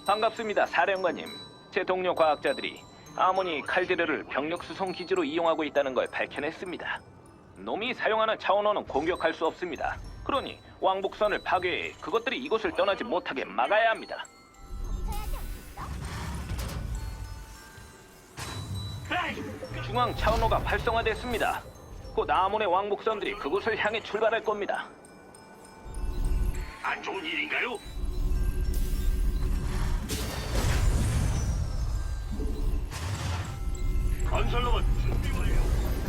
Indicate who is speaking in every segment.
Speaker 1: 반갑습니다, 사령관님. 제 동료 과학자들이 아모니 칼데르를 병력 수송 기지로 이용하고 있다는 걸 밝혀냈습니다. 놈이 사용하는 차원호는 공격할 수 없습니다. 그러니 왕복선을 파괴해 그것들이 이곳을 떠나지 못하게 막아야 합니다. 중앙 차원호가 활성화됐습니다. 곧 아몬의 왕복선들이 그곳을 향해 출발할 겁니다.
Speaker 2: 안 좋은 일인가요? 건설로봇 준비 완료.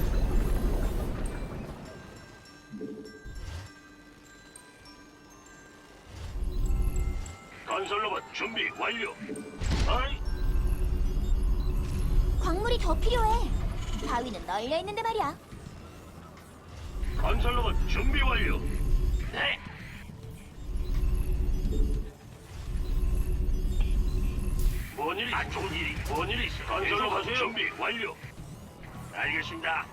Speaker 2: 건설로봇 준비 완료. 아이,
Speaker 3: 광물이 더 필요해. 바위는 널려 있는데 말이야.
Speaker 2: 건설로봇 준비 완료. 네. 뭔 일이? 안 좋은 일이? 뭔 일이 있어? 건설로봇 준비 완료. 알겠습니다.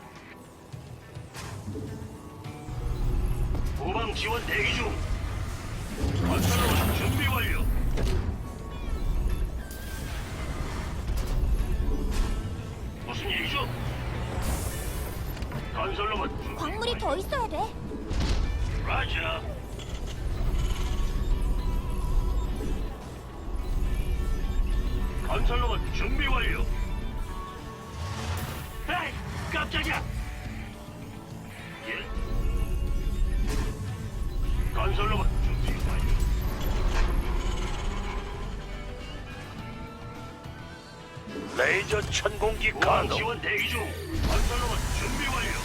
Speaker 2: 후방 지원 대기 중. 건설로봇 준비 완료. 무슨 일이죠? 건설로봇 준비
Speaker 3: 광물이
Speaker 2: 완료.
Speaker 3: 더 있어야 돼.
Speaker 2: 라자. 건설로봇 준비 완료. 에이, 깜짝이야. 예. 건설로봇 준비 완료.
Speaker 4: 레이저 천공기
Speaker 2: 우방
Speaker 4: 가동.
Speaker 2: 지원 대기 중. 건설로봇 준비 완료.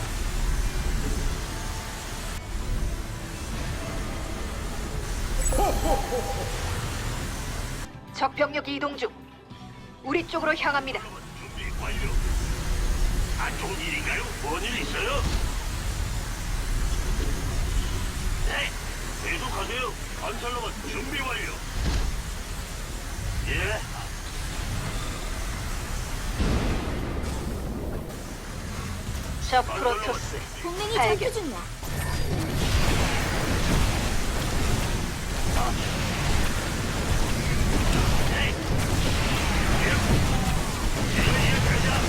Speaker 5: 적 병력이 이동 중. 우리 쪽으로 향합니다.
Speaker 2: 건설로봇 준비 완료. 안 좋은 일인가요? 뭔 일 있어요? 네, 계속하세요. 건설로봇 준비 완료. 예.
Speaker 5: 적 프로토스.
Speaker 3: 동맹이
Speaker 5: 알겠-
Speaker 3: 전투 중이야.
Speaker 2: 네. 예, 가자.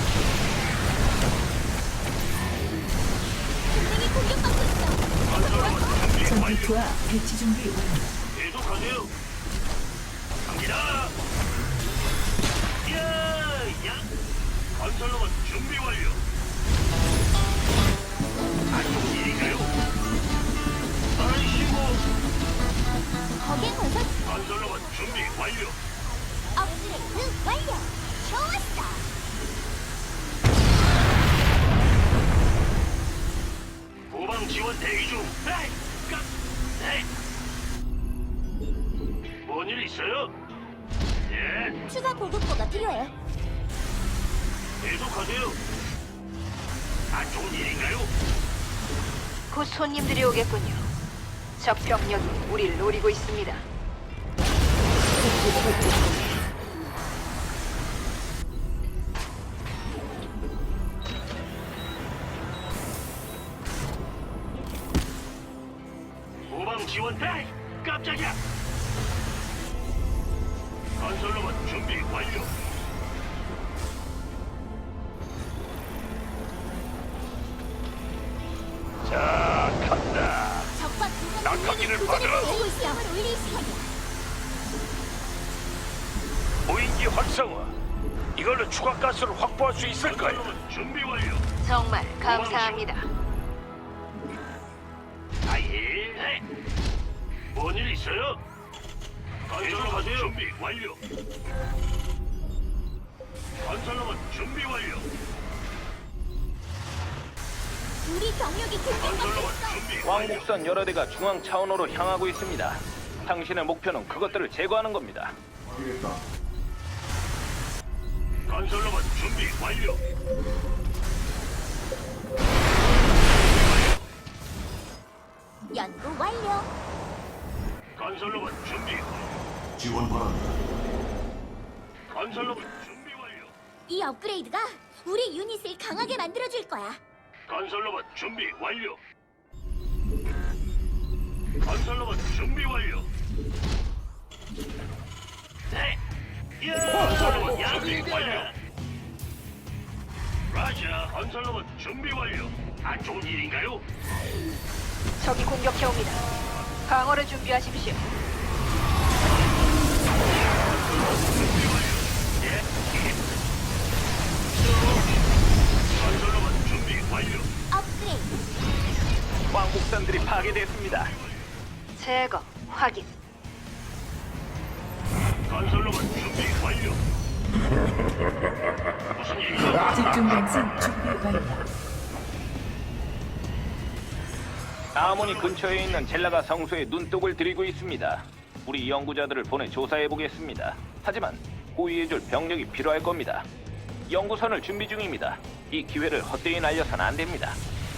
Speaker 3: 동맹이 공격받고 있어.
Speaker 2: 건설로봇 준비 완료.
Speaker 6: 전투투와 배치 준비 완료.
Speaker 2: 계속하세요. 갑니다. 야, 야. 건설로봇 준비 완료. 안 좋은 일인가요? 아이씨고.
Speaker 3: 거기엔 건설
Speaker 2: 건설로봇 준비 완료.
Speaker 3: 업그레이드 완료. 좋았어.
Speaker 2: 후방 지원 대기 중. 에이, 깜. 에이. 뭔일 있어요? 예,
Speaker 3: 추가 보급고가 필요해.
Speaker 2: 계속하세요. 안 좋은 일인가요?
Speaker 5: 곧 손님들이 오겠군요. 적 병력이 우리를 노리고 있습니다.
Speaker 2: 후방 지원. 에이, 깜짝이야. 건설로봇 준비 완료.
Speaker 4: 자, 간다.
Speaker 3: 적과 두명
Speaker 4: 낙하기를
Speaker 3: 동맹이
Speaker 4: 받으라.
Speaker 3: 교전을 벌이고 있어. 힘을 올릴 시간이야.
Speaker 4: 무인기 활성화. 이걸로 추가 가스를 확보할 수 있을까요?
Speaker 2: 건설로봇 준비 완료.
Speaker 5: 정말 감사합니다.
Speaker 2: 아예. 네. 뭔일 있어요? 건설로봇 준비 완료. 건설로봇 준비 완료.
Speaker 3: 우리 병력이 공격받고
Speaker 2: 건설로봇
Speaker 3: 있어.
Speaker 2: 준비 완료.
Speaker 1: 왕복선 여러 대가 중앙 차원호로 향하고 있습니다. 당신의 목표는 그것들을 제거하는 겁니다.
Speaker 2: 건설로봇 준비 완료.
Speaker 3: 연구 완료.
Speaker 2: 건설로봇 준비.
Speaker 7: 지원 바란다.
Speaker 2: 건설로봇 준비 완료.
Speaker 3: 이 업그레이드가 우리 유닛을 강하게 만들어줄 거야.
Speaker 2: 건설로봇 준비 완료. 건설로봇 준비 완료. 네. 건설로봇 준비 완료. 라자, 건설로봇 준비 완료. 안 좋은 일인가요?
Speaker 5: 적이 공격해옵니다. 방어를 준비하십시오.
Speaker 2: 건설로봇 준비 완료.
Speaker 3: 업그레이드.
Speaker 1: 왕복선들이 파괴됐습니다.
Speaker 5: 제거, 확인.
Speaker 2: 건설로봇 준비 완료. 무슨 일이죠?
Speaker 6: 집중 방송 준비 완료.
Speaker 1: 아모니 근처에 있는 젤라가 성소에 눈독을 들이고 있습니다. 우리 연구자들을 보내 조사해 보겠습니다. 하지만 호위해줄 병력이 필요할 겁니다. 연구선을 준비 중입니다. 이 기회를 헛되이 날려선 안 됩니다.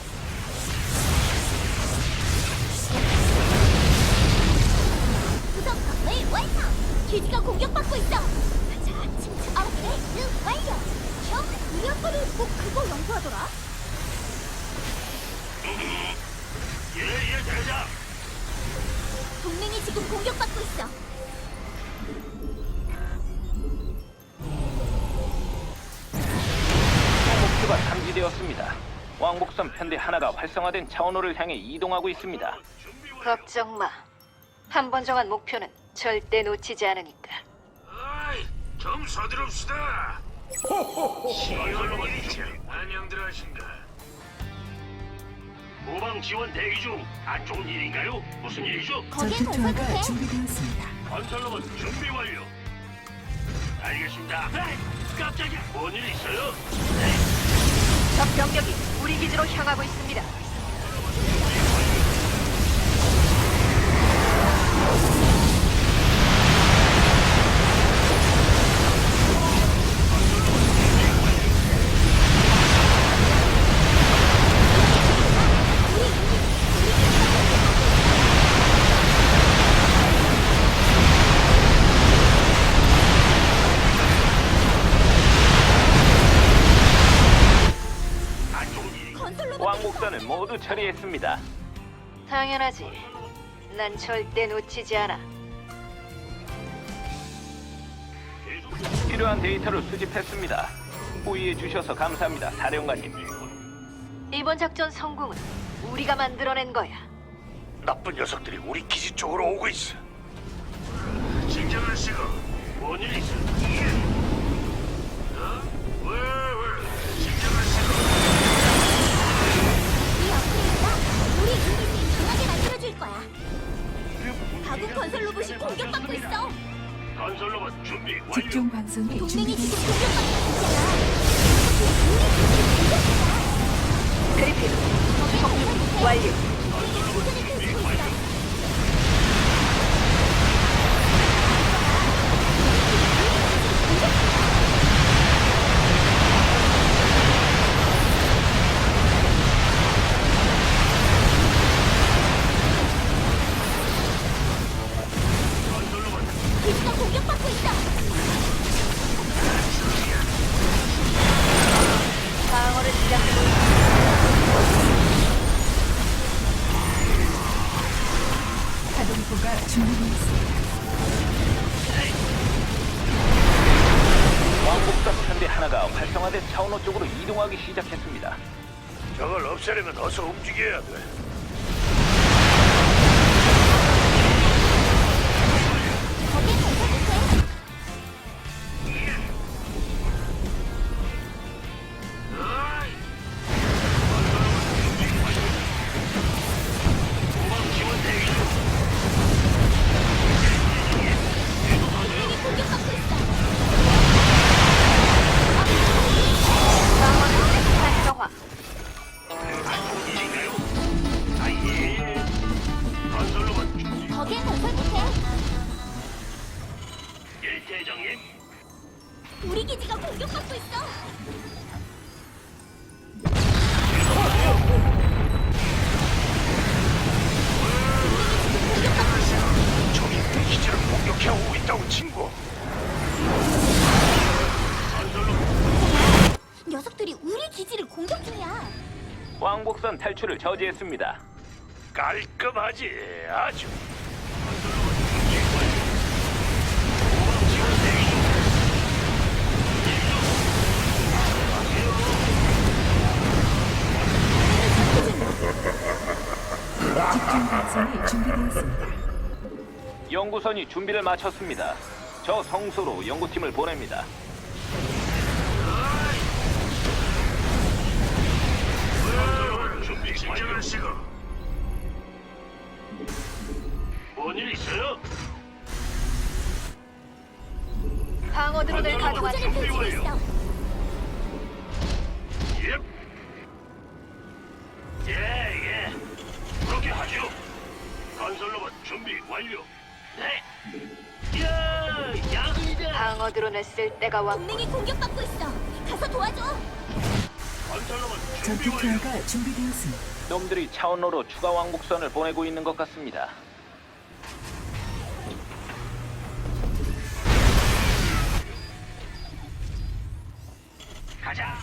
Speaker 3: 구성 건물 완성. 기지가 공격받고 있어. 자, 침착. 업그레이드 완료. 형, 우리 아빠는 꼭 그거 연구하더라.
Speaker 2: 예, 대장.
Speaker 3: 동맹이 지금 공격받고 있어.
Speaker 1: 목표가 탐지되었습니다. 왕복선 편대 하나가 활성화된 차원호를 향해 이동하고 있습니다.
Speaker 5: 걱정 마. 한 번 정한 목표는 절대 놓치지 않으니까.
Speaker 4: 아이, 좀 서두릅시다.
Speaker 2: 건설로봇 준비.
Speaker 4: 안녕들 하신가?
Speaker 2: 후방 지원 대기 중. 안 좋은 일인가요? 무슨 일이죠?
Speaker 3: 거기에
Speaker 6: 전투
Speaker 3: 건설
Speaker 6: 투하가
Speaker 3: 못해.
Speaker 6: 준비되었습니다.
Speaker 2: 건설로봇 준비 완료. 알겠습니다. 에이, 깜짝이야. 뭔 일 있어요?
Speaker 5: 적 병력이 우리 기지로 향하고 있습니다.
Speaker 2: 안 좋은 일이.
Speaker 3: 건설로봇
Speaker 1: 왕복선을 모두 처리했습니다.
Speaker 5: 당연하지. 난 절대 놓치지 않아.
Speaker 1: 필요한 데이터를 수집했습니다. 호의해 주셔서 감사합니다, 사령관님.
Speaker 5: 이번 작전 성공은 우리가 만들어낸 거야.
Speaker 4: 나쁜 녀석들이 우리 기지 쪽으로 오고 있어.
Speaker 2: 진정하시고. 뭔 일 있어?
Speaker 4: 왜? 진정하시고.
Speaker 3: 이 업그레이드가 우리 유닛을 강하게 만들어줄 거야. 가국 건설 로봇이 공격받고 있어.
Speaker 2: 건설로봇 준비 완료.
Speaker 6: 집중 방송이
Speaker 3: 동맹이 지금
Speaker 6: 준비되었습니다.
Speaker 3: 공격받고 있잖아.
Speaker 5: 그리핀,
Speaker 3: 거기에
Speaker 5: 완료.
Speaker 3: 도전을 펼치고 있어. 기지가 공격받고 있어.
Speaker 5: 방어를 시작하고 있습니다.
Speaker 6: 가동포가 준비되었습니다.
Speaker 1: 왕복선 편대 하나가 활성화된 차원호 쪽으로 이동하기 시작했습니다.
Speaker 4: 저걸 없애려면 어서 움직여야 돼.
Speaker 3: 거기에 건설 못해.
Speaker 2: 후방 지원 대기 중.
Speaker 3: 동맹이 공격받고 있어.
Speaker 5: 방어는 활성화.
Speaker 2: 안 좋은 일인가요? 아예. 건설로봇 준비.
Speaker 3: 거기에 건설 못해.
Speaker 2: 예, 대장님.
Speaker 3: 우리 기지가 공격받고 있어.
Speaker 4: 저기 우리 기지를 공격해 오고 있다고 친구.
Speaker 3: 녀석들이 우리 기지를 공격 중이야.
Speaker 1: 왕복선 탈출을 저지했습니다.
Speaker 4: 깔끔하지 아주.
Speaker 2: 후방 지원
Speaker 6: 구성이 준비되었습니다.
Speaker 1: 연구선이 준비를 마쳤습니다. 저 성소로 연구팀을 보냅니다.
Speaker 2: 준비 진정하시고. 뭔일 있어요?
Speaker 5: 방어 드론을 가동하죠.
Speaker 3: 교전을 펼치고 있어.
Speaker 2: 예. 그렇게 하죠. 건설로봇 준비 완료. 네. 야근이다.
Speaker 5: 방어 드론을 쓸 때가 왔고
Speaker 3: 동맹이 공격받고 있어. 가서 도와줘.
Speaker 2: 건설로봇 준비
Speaker 6: 전투
Speaker 2: 완료.
Speaker 6: 투하가 준비되었습니다.
Speaker 1: 놈들이 차원로로 추가 왕복선을 보내고 있는 것 같습니다.
Speaker 2: 가자.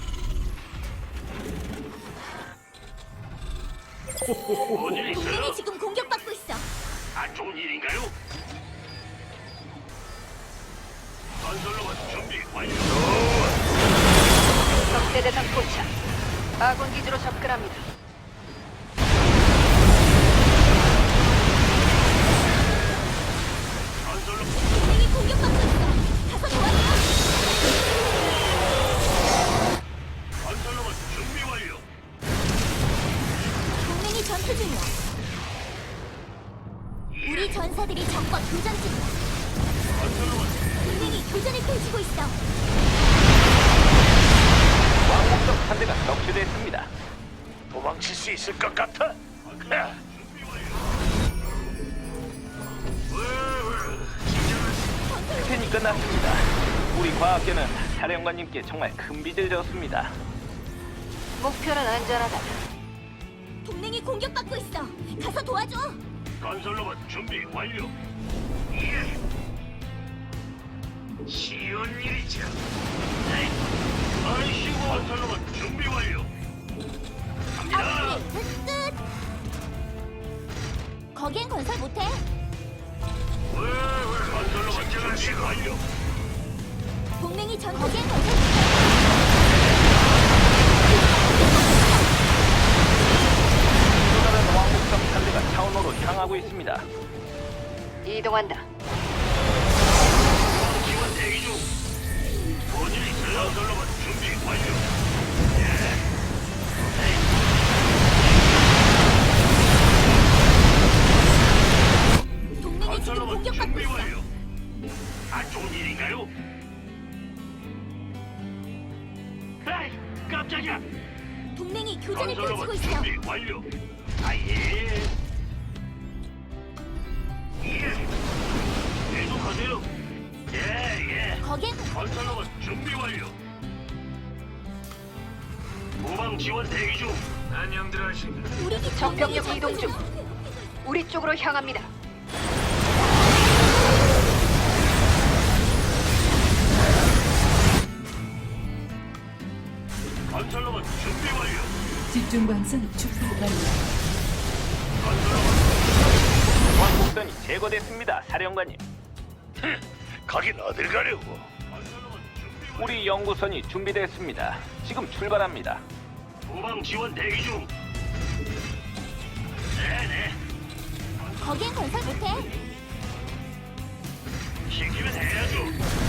Speaker 2: 뭔일 있어요?
Speaker 3: 동맹이 지금 공격받고 있어.
Speaker 2: 안 좋은 일인가요? 건설로봇 준비 완료.
Speaker 5: 적대 대상 포착. 아군 기지로 접근합니다.
Speaker 2: 건설로봇
Speaker 3: 동맹이 공격받고 있어. 가서 도와줘.
Speaker 2: 건설로봇 준비 완료.
Speaker 3: 동맹이 전투 중이야. 우리 전사들이 적과 교전 중이야.
Speaker 2: 건설로봇
Speaker 3: 동맹이 교전을 펼치고 있어.
Speaker 1: 왕복선 한 대가 격추됐습니다.
Speaker 4: 도망칠 수 있을 것 같아? 야,
Speaker 1: 스캔이 끝났습니다. 우리 과학계는 사령관님께 정말 큰 빚을 졌습니다.
Speaker 5: 목표는 안전하다.
Speaker 3: 동맹이 공격받고 있어. 가서 도와줘.
Speaker 2: 건설로봇 준비 완료. 예. 쉬운 일이죠. 네. 아이씨고 건설로봇 준비 완료. 갑니다.
Speaker 3: 업그레이드 끝. 거기엔 건설 못해.
Speaker 2: 건설로봇 준비 완료.
Speaker 3: 동맹이 거기엔 건설 못해.
Speaker 1: 또 다른 왕복선 한 대가 차원로로 향하고 있습니다.
Speaker 5: 이동한다.
Speaker 2: 지원 대기 중. 뭔일 있어요? 건설로봇 준비 완료.
Speaker 3: 동맹이 지금
Speaker 2: 건설로봇
Speaker 3: 공격받고
Speaker 2: 준비
Speaker 3: 있어.
Speaker 2: 완료. 안 좋은 일인가요? 에이, 깜짝이야.
Speaker 3: 동맹이 교전을 펼치고
Speaker 2: 건설로봇
Speaker 3: 있어.
Speaker 2: 준비 완료. 아예. 예. 계속하세요. 예.
Speaker 3: 거기엔
Speaker 2: 건설로봇 준비 완료. 후방 지원 대기 중. 안녕들 하신다.
Speaker 3: 우리 기
Speaker 5: 적병력
Speaker 3: 동맹이
Speaker 5: 이동
Speaker 3: 전투
Speaker 5: 중.
Speaker 3: 중이야.
Speaker 5: 우리 쪽으로 향합니다.
Speaker 2: 건설로봇 준비 완료.
Speaker 6: 집중 방송 준비 완료.
Speaker 1: 왕복선이 제거됐습니다, 사령관님.
Speaker 4: 가긴 어딜 가려고?
Speaker 2: 건설로봇 준비 완료.
Speaker 1: 우리 연구선이 준비됐습니다. 지금 출발합니다.
Speaker 2: 후방 지원 대기 중. 네네.
Speaker 3: 거기엔 건설 못해.
Speaker 2: 시키면 해야죠.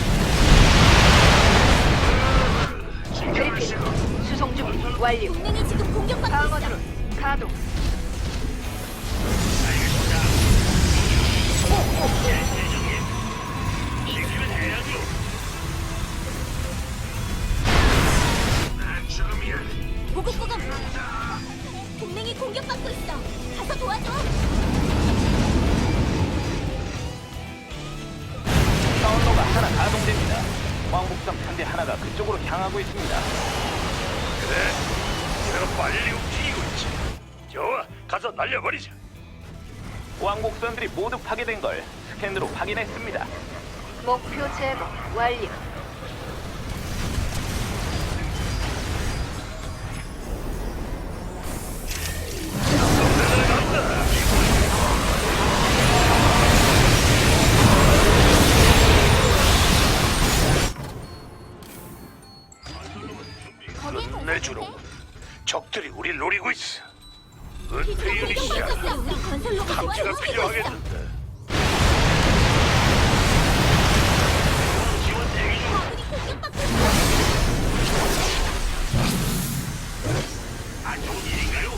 Speaker 5: 그리핀 수송 준비 완료.
Speaker 3: 동맹이 지금 공격받고
Speaker 5: 방어
Speaker 3: 있어.
Speaker 5: 드론 가동.
Speaker 2: 알겠습니다. 예, 대장님. 시키면 해야죠. 난 죽음이야.
Speaker 3: 보급고가 동맹이 공격받고 있어. 가서 도와줘.
Speaker 1: 차원로가 하나 가동됩니다. 왕복선 한 대 하나가 그쪽으로 향하고 있습니다.
Speaker 4: 그래? 내가 빨리 움직이고 있지. 좋아, 가서 날려버리자.
Speaker 1: 왕복선들이 모두 파괴된 걸 스캔으로 확인했습니다.
Speaker 5: 목표 제거 완료.
Speaker 3: 거기엔 건설
Speaker 4: 내주로
Speaker 3: 못해.
Speaker 4: 적들이 우릴 노리고 있어.
Speaker 3: 기지가
Speaker 4: 은폐 유닛이야.
Speaker 3: 공격받고 있어. 우리 건설 로봇이
Speaker 4: 탐지가
Speaker 3: 움직이고 있어.
Speaker 4: 필요하겠는데.
Speaker 2: 지원 대기 중.
Speaker 3: 아군이 공격받고 있어.
Speaker 2: 안 좋은 일인가요?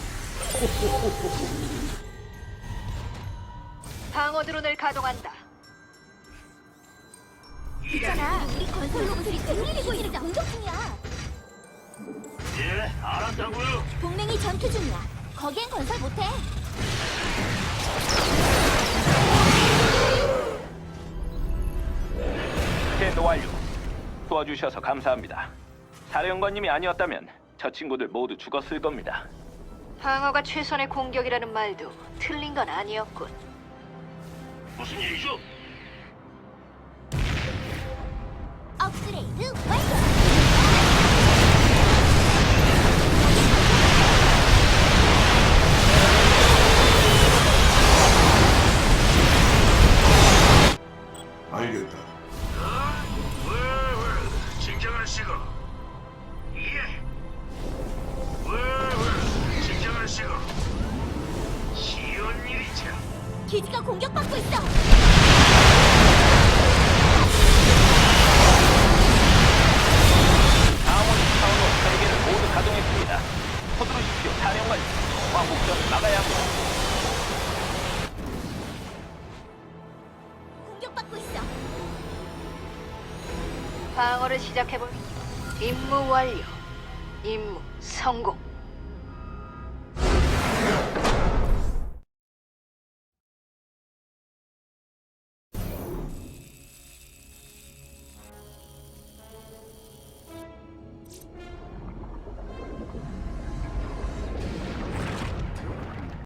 Speaker 5: 방어 드론을 가동한다.
Speaker 3: 있잖아. 우리 건설 로봇들이 움직이고 있어. 공격 중이야.
Speaker 2: 예, 알았다고요.
Speaker 3: 동맹이 전투 중이야. 거기엔 건설 못해.
Speaker 1: 스캔 완료. 도와주셔서 감사합니다. 사령관님이 아니었다면 저 친구들 모두 죽었을 겁니다.
Speaker 5: 방어가 최선의 공격이라는 말도 틀린 건 아니었군.
Speaker 2: 무슨 일이죠?
Speaker 3: 업그레이드 완료.
Speaker 7: 알겠다.
Speaker 2: 진정하시고. 예. 진정하시고. 쉬운 일이죠.
Speaker 3: 기지가 공격받고 있어.
Speaker 1: 아몬이 차원호 3개를 모두 가동했습니다. 서두르십시오, 사령관님. 왕복전을 막아야 합니다.
Speaker 3: 공격받고 있어.
Speaker 5: 방어를 시작해볼. 임무 완료. 임무 성공.